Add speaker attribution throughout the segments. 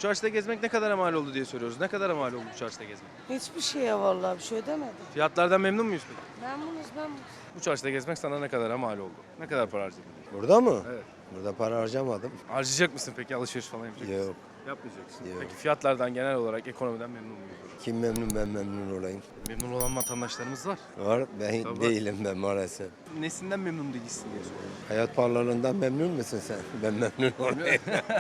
Speaker 1: Bu çarşıda gezmek ne kadara mal oldu diye soruyoruz. Ne kadara mal oldu bu çarşıda gezmek?
Speaker 2: Hiçbir şeye vallahi bir şey ödemedim.
Speaker 1: Fiyatlardan memnun muyuz peki?
Speaker 2: Memnunuz.
Speaker 1: Bu çarşıda gezmek sana ne kadara mal oldu? Ne kadar para harcadın?
Speaker 3: Burada mı?
Speaker 1: Evet.
Speaker 3: Burada para harcamadım.
Speaker 1: Harcayacak mısın peki? Alışveriş falan yapacak mısın?
Speaker 3: Yok.
Speaker 1: Yapmayacaksın.
Speaker 3: Yok.
Speaker 1: Peki fiyatlardan genel olarak ekonomiden memnun muyuz?
Speaker 3: Kim memnun ben memnun olayım.
Speaker 1: Memnun olan vatandaşlarımız var.
Speaker 3: Var ben
Speaker 1: Tabii.
Speaker 3: değilim ben maalesef.
Speaker 1: Nesinden memnun değilsin diye soruyorum.
Speaker 3: Hayat pahalılığından memnun musun sen? Ben memnun olayım.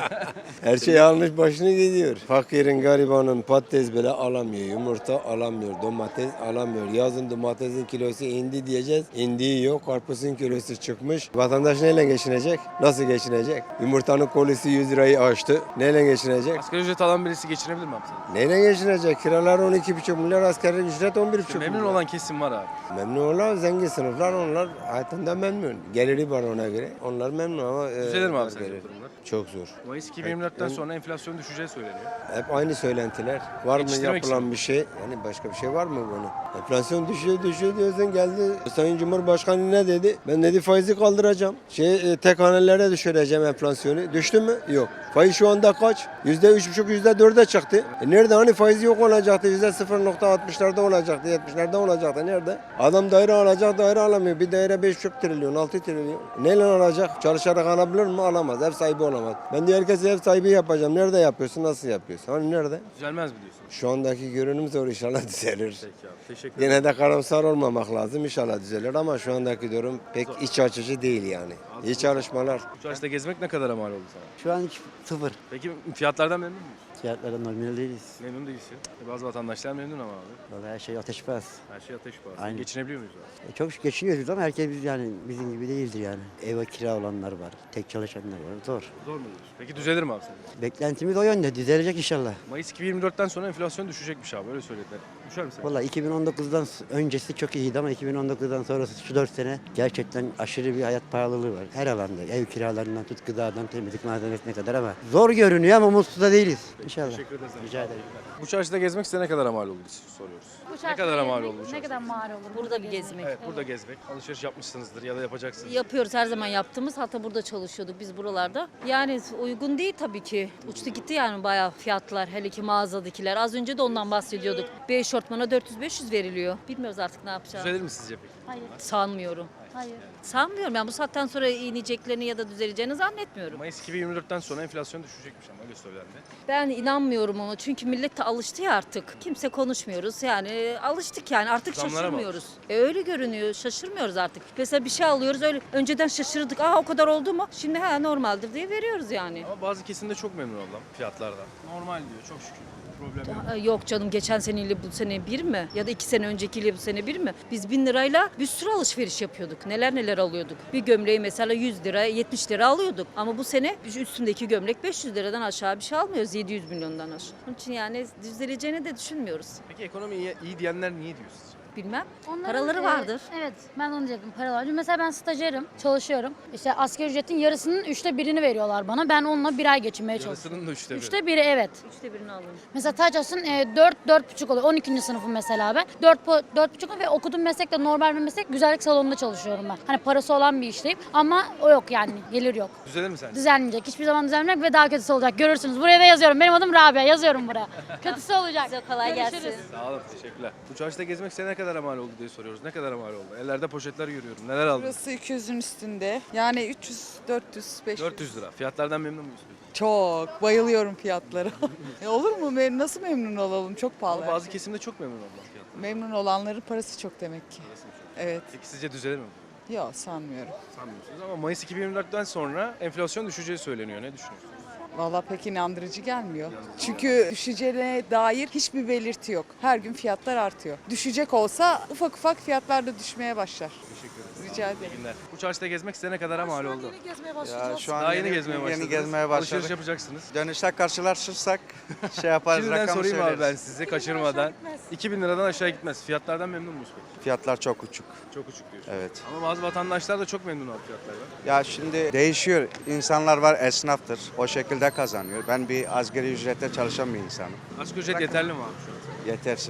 Speaker 3: Her şey almış başını gidiyor. Fakirin garibanın patates bile alamıyor. Yumurta alamıyor. Domates alamıyor. Yazın domatesin kilosu indi diyeceğiz. İndiği yok. Karpuzun kilosu çıkmış. Vatandaş neyle geçinecek? Nasıl geçinecek? Yumurtanın kolisi 100 lirayı aştı. Neyle geçinecek?
Speaker 1: Asgari ücret alan birisi geçinebilir mi abi sen?
Speaker 3: Neyle geçinecek? Kiralar 12,5 milyar, asgari ücret 11,5 milyar.
Speaker 1: Memnun olan kesim var abi.
Speaker 3: Memnun olan zengin sınıflar, onlar hayatında memnun. Geliri var ona göre. Onlar memnun ama...
Speaker 1: Düzelir mi abi sence
Speaker 3: gelir.
Speaker 1: bu durumlar?
Speaker 3: Çok zor.
Speaker 1: Mayıs 2024'ten sonra enflasyon düşeceği söyleniyor.
Speaker 3: Hep aynı söylentiler. Var mı
Speaker 1: Yetiştirmek
Speaker 3: yapılan
Speaker 1: için.
Speaker 3: bir şey? Yani başka bir şey var mı bunu? Enflasyon düşüyor diyorsun, geldi. Sayın Cumhurbaşkanı ne dedi? Ben dedi faizi kaldıracağım. Tek hanelere düşüreceğim enflasyonu. Düştü mü? Yok. Faiz şu anda kaç? %3,5, %4'e çıktı. Nerede? Hani faiz yok olacaktı. %0,60'larda olacaktı, 70'lerde olacaktı. Nerede? Adam daire alacak, daire alamıyor. Bir daire 5,5 trilyon, 6 trilyon. Neyle alacak? Çalışarak alabilir mi? Alamaz. Ev sahibi olamaz. Ben de herkese ev sahibi yapacağım. Nerede yapıyorsun? Nasıl yapıyorsun? Hani nerede?
Speaker 1: Düzelmez mi diyorsun?
Speaker 3: Şu andaki görünüm zor, inşallah düzelir.
Speaker 1: Peki abi. Teşekkür ederim.
Speaker 3: Yine de karamsar olmamak lazım. İnşallah düzelir ama şu andaki durum pek iç açıcı değil yani. İyi çalışmalar.
Speaker 1: Bu çarşıda gezmek ne kadara mal oldu sana?
Speaker 4: Şu an sıfır.
Speaker 1: Peki fiyatlardan memnun muyuz?
Speaker 4: Fiyatlara normal değiliz.
Speaker 1: Memnun değilsin. Bazı vatandaşlar memnun ama abi.
Speaker 4: Vallahi her şey ateş pahası.
Speaker 1: Her şey ateş pahası.
Speaker 4: Aynen.
Speaker 1: Geçinebiliyor muyuz abi?
Speaker 4: Çok şükür geçiniyoruz ama herkes yani bizim gibi değildir yani. Eve kira olanlar var, tek çalışanlar var. Zor.
Speaker 1: Zor mu diyorsun? Peki düzelir mi abi senin?
Speaker 4: Beklentimiz o yönde. Düzelecek inşallah.
Speaker 1: Mayıs 2024'ten sonra enflasyon düşecekmiş abi. Öyle söylediler. Düşer mi sence?
Speaker 4: Vallahi 2019'dan öncesi çok iyiydi ama 2019'dan sonrası şu 4 sene gerçekten aşırı bir hayat pahalılığı var. Her alanda. Ev kiralarından tut gıdadan temizlik malzemesine kadar ama zor görünüyor ama mutsuz da değiliz. İnşallah.
Speaker 1: Teşekkür ederiz.
Speaker 4: Rica ederim.
Speaker 1: Bu çarşıda gezmek size ne kadara mal oldu soruyoruz. Ne kadara mal oldu bu
Speaker 5: Ne
Speaker 1: çarşıda?
Speaker 5: kadar mal olur?
Speaker 6: Burada bir gezmek.
Speaker 1: Evet, burada gezmek. Alışveriş yapmışsınızdır ya da yapacaksınız.
Speaker 6: Yapıyoruz her zaman yaptığımız. Hatta burada çalışıyorduk biz buralarda. Yani uygun değil tabii ki. Uçtu gitti yani bayağı fiyatlar. Hele ki mağazadakiler. Az önce de ondan bahsediyorduk. Bir eşortmana 400-500 veriliyor. Bilmiyoruz artık ne yapacağız.
Speaker 1: Düzelir mi sizce peki?
Speaker 5: Hayır.
Speaker 6: Sanmıyorum.
Speaker 5: Hayır.
Speaker 6: Sanmıyorum. Yani bu saatten sonra ineceklerini ya da düzeleceğini zannetmiyorum.
Speaker 1: Mayıs 2024'ten sonra enflasyon düşecekmiş ama öyle söylendi.
Speaker 6: Ben inanmıyorum ona. Çünkü millet de alıştı ya artık. Kimse konuşmuyoruz. Yani alıştık yani. Artık
Speaker 1: Zamlara mı
Speaker 6: şaşırmıyoruz. Öyle görünüyor. Şaşırmıyoruz artık. Mesela bir şey alıyoruz öyle. Önceden şaşırdık. Aa o kadar oldu mu? Şimdi ha normaldir diye veriyoruz yani.
Speaker 1: Ama bazı kesimde çok memnun ablam fiyatlardan. Normal diyor çok şükür. Problem yok.
Speaker 6: Yok canım geçen seneyle bu sene bir mi? Ya da 2 sene öncekiyle bu sene bir mi? Biz 1000 lirayla bir sürü alışveriş yapıyorduk. Neler neler alıyorduk. Bir gömleği mesela 100 lira 70 lira alıyorduk. Ama bu sene üstündeki gömlek 500 liradan aşağı bir şey almıyoruz. 700 milyondan aşağı. Onun için yani düzeleceğini de düşünmüyoruz.
Speaker 1: Peki ekonomi iyi diyenler niye diyor sizce?
Speaker 6: Bilmem.
Speaker 5: Onların,
Speaker 6: Paraları vardır.
Speaker 5: Evet ben onu diyecektim. Para var. Mesela ben stajyerim. Çalışıyorum. İşte asgari ücretin yarısının 1/3'ünü veriyorlar bana. Ben onunla bir ay geçinmeye çalışıyorum.
Speaker 1: Yarısının da üçte biri.
Speaker 5: 1/3 evet.
Speaker 6: 1/3'ünü alın.
Speaker 5: Mesela Taças'ın 4-4,5 oluyor. 12. sınıfım mesela ben. 4,5 ve okuduğum meslek de normal bir meslek. Güzellik salonunda çalışıyorum ben. Hani parası olan bir işteyim. Ama o yok yani. Gelir yok.
Speaker 1: Düzelir mi sence?
Speaker 5: Düzelmeyecek. Hiçbir zaman düzelmeyecek ve daha kötüsü olacak. Görürsünüz. Buraya da yazıyorum. Benim adım Rabia. Yazıyorum buraya. Kötüsü olacak.
Speaker 6: Size kolay
Speaker 5: Görüşürüz.
Speaker 6: gelsin.
Speaker 1: Sağ olun teşekkürler. Bu çarşıda gezmek size ne kadar mal oldu diye soruyoruz. Ne kadar mal oldu? Ellerde poşetler görüyorum. Neler aldınız?
Speaker 7: Burası 200'ün üstünde. Yani 300, 400, 500.
Speaker 1: 400 lira. Fiyatlardan memnun muyuz peki?
Speaker 7: Çok. Bayılıyorum fiyatlara. Olur mu? Nasıl memnun olalım? Çok pahalı.
Speaker 1: Ama bazı kesimde çok memnun ablam fiyatlar.
Speaker 7: Memnun olanların parası çok demek ki. Evet.
Speaker 1: Peki sizce düzelir mi?
Speaker 7: Yok sanmıyorum.
Speaker 1: Sanmıyorsunuz ama Mayıs 2024'ten sonra enflasyon düşeceği söyleniyor. Ne düşünüyorsunuz?
Speaker 7: Vallahi pek inandırıcı gelmiyor. Çünkü düşeceğine dair hiçbir belirti yok. Her gün fiyatlar artıyor. Düşecek olsa ufak ufak fiyatlar da düşmeye başlar.
Speaker 1: Teşekkür ederim.
Speaker 7: Rica ederim.
Speaker 1: İyi günler. Bu çarşıda gezmek size ne kadar mal oldu?
Speaker 8: Ya şu an
Speaker 1: Daha yeni gezmeye başladınız.
Speaker 8: Yeni gezmeye
Speaker 1: Alışveriş
Speaker 8: başladık.
Speaker 1: yapacaksınız.
Speaker 8: Dönüşte karşılaşırsak şey yaparız,
Speaker 1: Şimdiden
Speaker 8: rakamı
Speaker 1: sorayım abi ben
Speaker 8: söyleriz.
Speaker 1: size kaçırmadan. 2000 liradan aşağı gitmez. Fiyatlardan memnun musunuz peki?
Speaker 8: Fiyatlar çok uçuk.
Speaker 1: Çok uçuk diyorsun.
Speaker 8: Evet.
Speaker 1: Ama bazı vatandaşlar da çok memnun abi fiyatlardan.
Speaker 8: Ya şimdi değişiyor. İnsanlar var, esnaftır. O şekilde kazanıyor. Ben bir asgari ücrette çalışan bir insanım.
Speaker 1: Asgari ücret yeterli mi abi şu an?
Speaker 8: Yetersiz.
Speaker 1: Ama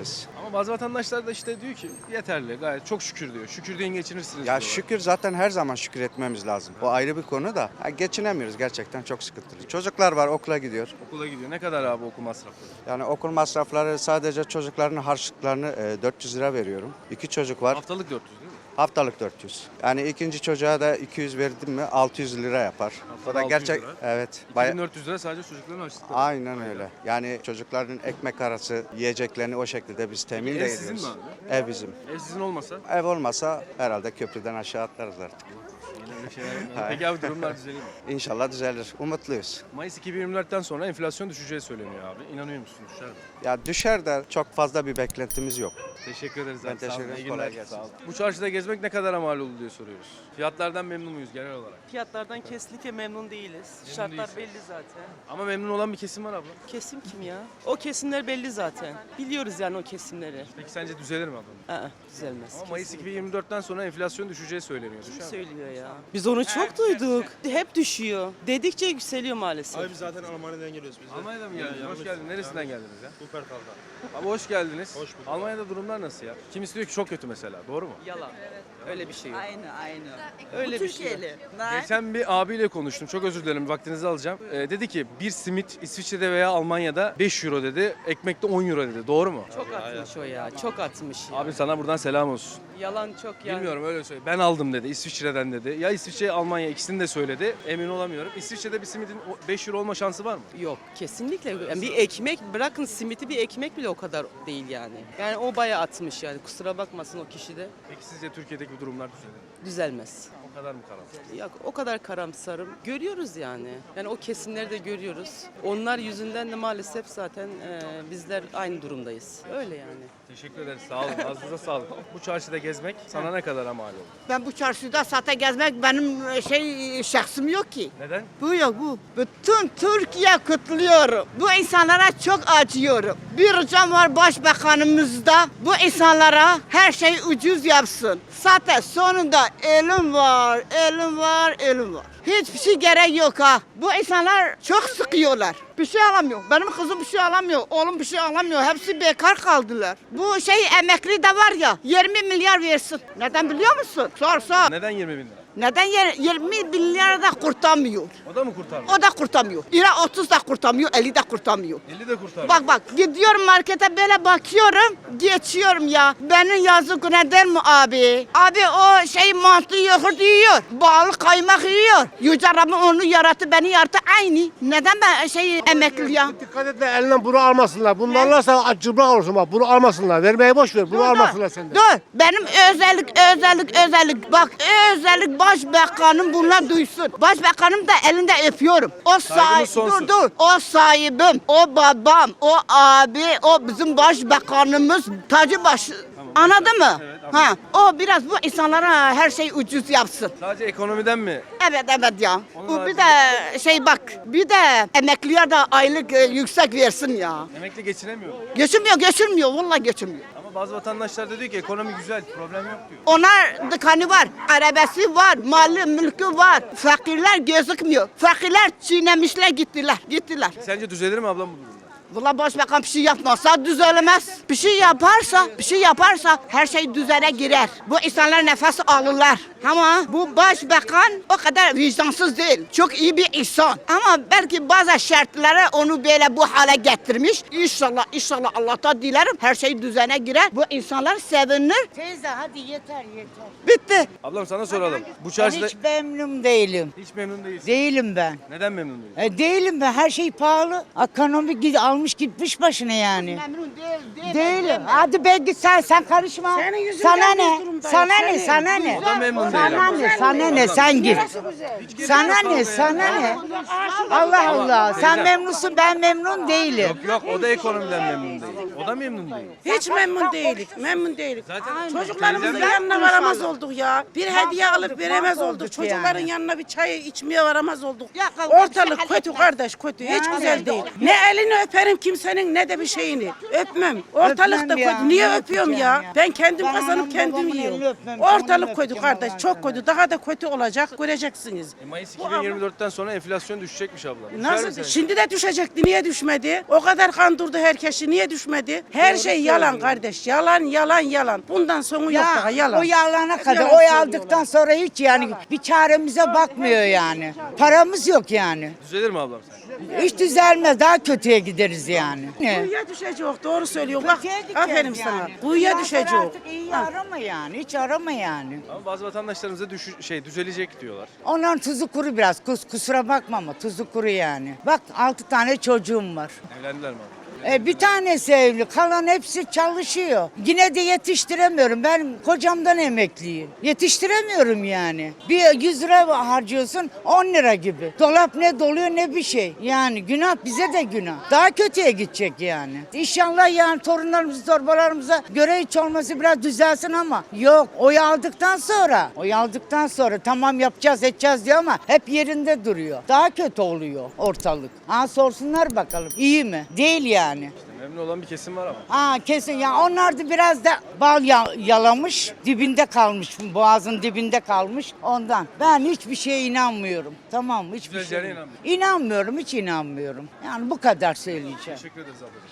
Speaker 1: Ama bazı vatandaşlar da işte diyor ki yeterli, gayet çok şükür diyor. Şükür deyin geçinirsiniz
Speaker 8: Ya
Speaker 1: diyorlar.
Speaker 8: şükür zaten her zaman şükür etmemiz lazım. O ayrı bir konu da. Ha, geçinemiyoruz gerçekten çok sıkıntılı. Çocuklar var okula gidiyor.
Speaker 1: Okula gidiyor. Ne kadar abi okul masrafları?
Speaker 8: Yani okul masrafları sadece çocukların harçlıklarını 400 lira veriyorum. 2 çocuk var.
Speaker 1: Haftalık 400 değil mi?
Speaker 8: Haftalık 400. Yani ikinci çocuğa da 200 verdim mi 600 lira yapar. O da
Speaker 1: 600
Speaker 8: gerçek.
Speaker 1: lira.
Speaker 8: Evet.
Speaker 1: 2400 lira sadece çocukların harçlıkları.
Speaker 8: Aynen öyle. Yani çocukların ekmek arası yiyeceklerini o şekilde biz temin
Speaker 1: Peki
Speaker 8: de
Speaker 1: ev sizin
Speaker 8: ediyoruz.
Speaker 1: mi
Speaker 8: Ev bizim.
Speaker 1: Ev sizin olmasa
Speaker 8: Ev olmasa herhalde köprüden aşağı atlarız artık.
Speaker 1: yine öyle şeyler yapmayalım. Peki abi durumlar düzelir mi?
Speaker 8: İnşallah düzelir. Umutluyuz.
Speaker 1: Mayıs 2024'ten sonra enflasyon düşeceği söyleniyor abi. İnanıyor musun? Düşer mi?
Speaker 8: Ya düşer de çok fazla bir beklentimiz yok.
Speaker 1: Teşekkür ederiz
Speaker 8: Ben
Speaker 1: abi. Sağ olun.
Speaker 8: teşekkür ederim.
Speaker 1: İyi günler.
Speaker 8: Kolay gelsin.
Speaker 1: Sağ olun. Bu çarşıda gezmek ne kadar mal oldu diye soruyoruz. Fiyatlardan memnun muyuz genel olarak?
Speaker 9: Fiyatlardan kesinlikle memnun değiliz. Şartlar
Speaker 1: değilsin.
Speaker 9: belli zaten.
Speaker 1: Ama memnun olan bir kesim var abla.
Speaker 9: Kesim kim ya? O kesimler belli zaten. Biliyoruz yani o kesimleri.
Speaker 1: Peki sence düzelir mi abla?
Speaker 9: Düzelmez.
Speaker 1: Ama Mayıs 2024'ten sonra enflasyon düşeceği söyleniyor.
Speaker 9: Kim
Speaker 1: Düşer mi?
Speaker 9: söylüyor ya? Biz onu çok duyduk. Hep düşüyor. Dedikçe yükseliyor maalesef.
Speaker 10: Abi biz zaten Almanya'dan geliyoruz biz de.
Speaker 1: Almanya'da mı geldiniz? Hoş geldiniz. Neresinden geldiniz ya?
Speaker 10: Wuppertal'dan.
Speaker 1: Abi hoş geldiniz.
Speaker 10: Hoş bulduk.
Speaker 1: Almanya'da durumlar nasıl ya? Kimisi diyor ki çok kötü mesela. Doğru mu?
Speaker 9: Yalan. Öyle bir şey yok.
Speaker 2: Aynı.
Speaker 9: Öyle bir şey yok.
Speaker 1: Geçen bir abiyle konuştum. Çok özür dilerim. Vaktinizi alacağım. Dedi ki bir simit İsviçre'de veya Almanya'da 5 euro dedi. Ekmekte 10 euro dedi. Doğru mu?
Speaker 9: Çok atmış o ya. Çok atmış ya.
Speaker 1: Abi sana buradan selam olsun.
Speaker 9: Yalan çok yani.
Speaker 1: Bilmiyorum öyle söyle. Ben aldım dedi İsviçre'den dedi. Ya İsviçre, Almanya ikisini de söyledi. Emin olamıyorum. İsviçre'de bir simidin 5 euro olma şansı var mı?
Speaker 9: Yok kesinlikle. Yani bir ekmek bırakın simiti bir ekmek bile o kadar değil yani. Yani o bayağı atmış yani. Kusura bakmasın o kişi de.
Speaker 1: Peki sizce Türkiye'deki bu durumlar düzelir mi?
Speaker 9: Düzelmez.
Speaker 1: O kadar mı karamsar?
Speaker 9: Yok o kadar karamsarım. Görüyoruz yani. Yani o kesimleri de görüyoruz. Onlar yüzünden de maalesef zaten bizler aynı durumdayız. Öyle yani.
Speaker 1: Teşekkür ederiz. Sağ olun. Ağzınıza sağlık. Bu çarşıda gezmek sana ne kadar mal oldu?
Speaker 2: Ben bu çarşıda zaten gezmek benim şahsım yok ki.
Speaker 1: Neden?
Speaker 2: Bu yok bu. Bütün Türkiye kutluyorum. Bu insanlara çok acıyorum. Bir ricam var başbakanımızda. Bu insanlara her şey ucuz yapsın. Zaten sonunda ölüm var, ölüm var, ölüm var. Hiçbir şey gerek yok ha. Bu insanlar çok sıkıyorlar. Bir şey alamıyor. Benim kızım bir şey alamıyor. Oğlum bir şey alamıyor. Hepsi bekar kaldılar. Bu emekli de var ya 20 milyar versin. Neden biliyor musun? Sor.
Speaker 1: Neden 20 bin lira?
Speaker 2: Neden 20 milyar da kurtarmıyor?
Speaker 1: O da mı kurtarmıyor?
Speaker 2: O da kurtarmıyor. İra 30 da kurtarmıyor, 50 de kurtarmıyor.
Speaker 1: 50 de kurtarmıyor.
Speaker 2: Bak gidiyorum markete böyle bakıyorum, geçiyorum ya. Benim yazık neden mi abi? Abi o mantı yoğurt yiyor, bal kaymak yiyor. Yüce Rabbim onu yarattı, beni yarattı aynı. Neden ben emekli ya?
Speaker 10: Dikkat et de elinden bunu almasınlar. Bunu alırsa acıbrak olursun bak. Bunu almasınlar. Vermeyi boş ver. Bunu almasınlar senden.
Speaker 2: Dur. Benim özellik. Bak özellik başbakanım bunlar duysun. Başbakanım da elinde öpüyorum. O
Speaker 1: Saygımız sonsuz.
Speaker 2: dur. O sahibim, o babam, o abi, o bizim başbakanımız tacı başı. Anladın mı?
Speaker 1: Evet,
Speaker 2: Ha, o biraz bu insanlara her şey ucuz yapsın.
Speaker 1: Sadece ekonomiden mi?
Speaker 2: Evet ya.
Speaker 1: Onun
Speaker 2: Bu bir
Speaker 1: haricinde-
Speaker 2: de bak, bir de emekliye de aylık yüksek versin ya.
Speaker 1: Emekli geçinemiyor.
Speaker 2: Geçirmiyor, vallahi geçirmiyor.
Speaker 1: Ama bazı vatandaşlar da diyor ki ekonomi güzel, problem yok diyor.
Speaker 2: Onlar dükkanı var, arabası var, malı, mülkü var. Fakirler gözükmüyor. Fakirler çiğnemişler gittiler.
Speaker 1: Sence düzelir mi ablam bu durumda?
Speaker 2: Valla başbakan bir şey yapmazsa düzelemez. Bir şey yaparsa her şey düzene girer. Bu insanlar nefes alırlar. Ama bu başbakan o kadar vicdansız değil. Çok iyi bir insan. Ama belki bazı şartları onu böyle bu hale getirmiş. İnşallah Allah'tan dilerim her şey düzene girer. Bu insanlar sevinir.
Speaker 11: Teyze hadi yeter.
Speaker 2: Bitti.
Speaker 1: Ablam sana soralım. Bu
Speaker 11: Ben
Speaker 1: çarşıda
Speaker 11: hiç memnun değilim.
Speaker 1: hiç memnun değilsin.
Speaker 11: Değilim ben.
Speaker 1: Neden memnun değilsin?
Speaker 11: Değilim ben. Her şey pahalı. Ekonomi almış gitmiş başına yani.
Speaker 2: Memnun değil.
Speaker 11: Değilim. Hadi be git sen karışma. Sana ne? Sana ne?
Speaker 1: O da memnun değil
Speaker 11: Sana
Speaker 1: ama.
Speaker 11: ne? Sana ne? Sen git. Sana ne? Allah Allah. Sen memnunsun ben memnun değilim.
Speaker 1: Yok o da ekonomiden memnun değil. O da memnun değil.
Speaker 12: Hiç memnun değilik. Memnun değilik.
Speaker 1: Zaten
Speaker 12: Çocuklarımızın
Speaker 1: teyzem de-
Speaker 12: yanına varamaz olduk ya. Bir hediye alıp veremez
Speaker 11: mahvolduk
Speaker 12: olduk. Çocukların
Speaker 11: yani.
Speaker 12: yanına bir çay içmeye varamaz olduk.
Speaker 2: Ya,
Speaker 12: Ortalık kötü kardeş kötü. Hiç güzel değil. Ne elini öperim öperim kimsenin ne de bir şeyini. Öpmem. Ortalıkta
Speaker 11: Öpmem ya,
Speaker 12: koydu. Niye
Speaker 11: ne
Speaker 12: öpüyorum
Speaker 11: öpeceğim
Speaker 12: ya?
Speaker 11: ya?
Speaker 12: Ben kendim
Speaker 11: Ben
Speaker 12: kazanıp
Speaker 11: anam
Speaker 12: kendim
Speaker 11: babamın elini
Speaker 12: yiyorum.
Speaker 11: öpmem, canımı
Speaker 12: Ortalık koydu
Speaker 11: öpeceğim
Speaker 12: kardeş.
Speaker 11: Allah
Speaker 12: Çok
Speaker 11: aşkına.
Speaker 12: koydu. Daha da kötü olacak. Göreceksiniz.
Speaker 1: Mayıs
Speaker 12: Bu
Speaker 1: 2024'ten sonra enflasyon düşecekmiş abla. Düşer mi
Speaker 12: Nasıl?
Speaker 1: sence?
Speaker 12: Şimdi de düşecekti. Niye düşmedi? O kadar kandırdı herkesi. Niye düşmedi? Her şey yalan kardeş. Yalan, yalan, yalan. Bundan sonu yok daha yalan.
Speaker 11: O yalana kadar
Speaker 12: Yalan
Speaker 11: oy
Speaker 12: söylüyorlar.
Speaker 11: aldıktan sonra hiç yani bir çaremize bakmıyor yani. Paramız yok yani.
Speaker 1: Düzelir mi ablam sen?
Speaker 11: Hiç düzelmez, daha kötüye gideriz yani.
Speaker 12: Kuyuya düşecek. Doğru söylüyor. Bak
Speaker 11: Kötüye gideceğiz
Speaker 12: aferin
Speaker 11: yani.
Speaker 12: sana. Kuyuya
Speaker 11: Bundan sonra
Speaker 12: düşecek.
Speaker 11: Artık iyi arama yani, hiç arama yani.
Speaker 1: Ama bazı vatandaşlarımız da düzelecek diyorlar.
Speaker 11: Onların tuzu kuru biraz, kusura bakma ama tuzu kuru yani. Bak 6 tane çocuğum var.
Speaker 1: Evlendiler mi abla?
Speaker 11: Bir tanesi evli, kalan hepsi çalışıyor. Yine de yetiştiremiyorum. Ben kocamdan emekliyim. Yetiştiremiyorum yani. Bir 100 lira harcıyorsun 10 lira gibi. Dolap ne doluyor ne bir şey. Yani günah, bize de günah. Daha kötüye gidecek yani. İnşallah yani torunlarımızı, torbalarımıza göre hiç olması biraz düzelsin ama yok. Oy aldıktan sonra tamam yapacağız edeceğiz diyor ama hep yerinde duruyor. Daha kötü oluyor ortalık. Sorsunlar bakalım. İyi mi? Değil yani.
Speaker 1: Memnun olan bir kesim var ama.
Speaker 11: Kesin ya, onlar da biraz da bal yalamış, dibinde kalmış, boğazın dibinde kalmış ondan. Ben hiçbir şeye inanmıyorum. Tamam mı? Hiçbir
Speaker 1: Düzeleceğine
Speaker 11: şeye
Speaker 1: inanmıyorum.
Speaker 11: İnanmıyorum, hiç inanmıyorum. Yani bu kadar söyleyeceğim.
Speaker 1: Teşekkür ederiz ablacığım.